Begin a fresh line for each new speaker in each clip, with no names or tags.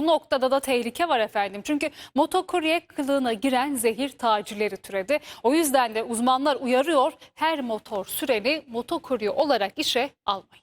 bu noktada da tehlike var efendim. Çünkü motokurye kılığına giren zehir tacirleri türedi. O yüzden de uzmanlar uyarıyor, her motor süreni motokurye olarak işe almayın.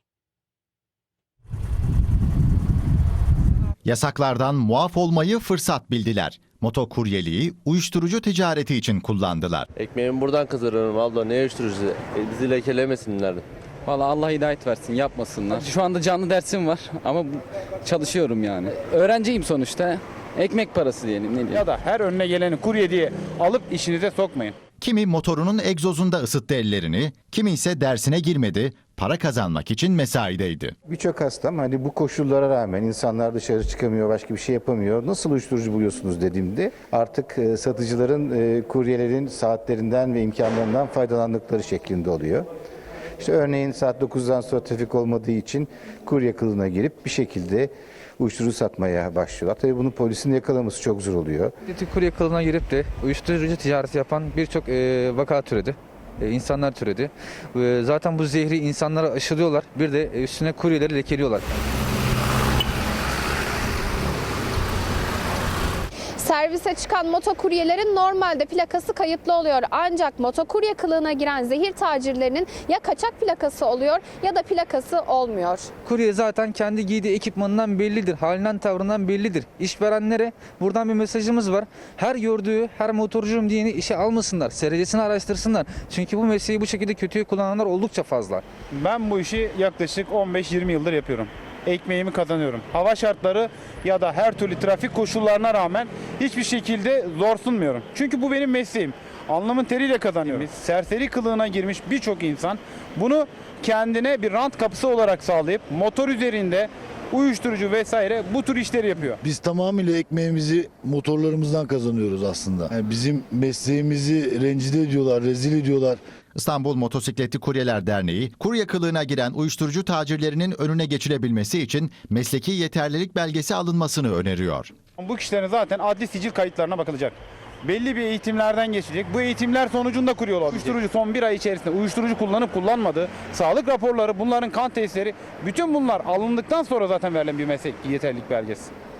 Yasaklardan muaf olmayı fırsat bildiler. Motokuryeliği uyuşturucu ticareti için kullandılar.
Ekmeğimi buradan kazanıyorum abla, ne uyuşturucusu? Bizi lekelemesinler.
Vallahi Allah hidayet versin, yapmasınlar. Şu anda canlı dersim var ama çalışıyorum yani. Öğrenciyim sonuçta. Ekmek parası diyelim, ne diyeyim.
Ya da her önüne geleni kurye diye alıp işinize sokmayın.
Kimi motorunun egzozunda ısıttı ellerini, kimi ise dersine girmedi, para kazanmak için mesaideydi.
Birçok hastam hani bu koşullara rağmen insanlar dışarı çıkamıyor, başka bir şey yapamıyor. Nasıl uyuşturucu buluyorsunuz dediğimde artık satıcıların, kuryelerin saatlerinden ve imkanlarından faydalandıkları şeklinde oluyor. İşte örneğin saat 9'dan sonra trafik olmadığı için kurye kılığına girip bir şekilde uyuşturucu satmaya başlıyorlar. Tabii bunu polisin yakalaması çok zor oluyor.
Kurye kılığına girip de uyuşturucu ticareti yapan birçok vaka türedi. İnsanlar türedi. Zaten bu zehri insanlara aşılıyorlar. Bir de üstüne kuryeleri lekeliyorlar.
Servise çıkan motokuryelerin normalde plakası kayıtlı oluyor. Ancak motokurye kılığına giren zehir tacirlerinin ya kaçak plakası oluyor ya da plakası olmuyor.
Kurye zaten kendi giydiği ekipmanından bellidir. Halinden tavrından bellidir. İşverenlere buradan bir mesajımız var. Her gördüğü, her motorcuyum diyeni işe almasınlar. SRC'sini araştırsınlar. Çünkü bu mesleği bu şekilde kötüye kullananlar oldukça fazla.
Ben bu işi yaklaşık 15-20 yıldır yapıyorum. Ekmeğimi kazanıyorum. Hava şartları ya da her türlü trafik koşullarına rağmen hiçbir şekilde zor sunmuyorum. Çünkü bu benim mesleğim. Alnımın teriyle kazanıyorum. Serseri kılığına girmiş birçok insan bunu kendine bir rant kapısı olarak sağlayıp motor üzerinde uyuşturucu vesaire bu tür işleri yapıyor.
Biz tamamıyla ekmeğimizi motorlarımızdan kazanıyoruz aslında. Yani bizim mesleğimizi rencide ediyorlar, rezil ediyorlar.
İstanbul Motosikletli Kuryeler Derneği, kurye kılığına giren uyuşturucu tacirlerinin önüne geçilebilmesi için mesleki yeterlilik belgesi alınmasını öneriyor.
Bu kişilerin zaten adli sicil kayıtlarına bakılacak. Belli bir eğitimlerden geçecek. Bu eğitimler sonucunda kurye olabilecek. Uyuşturucu son bir ay içerisinde uyuşturucu kullanıp kullanmadığı, sağlık raporları, bunların kan testleri, bütün bunlar alındıktan sonra zaten verilen bir meslek yeterlilik belgesi.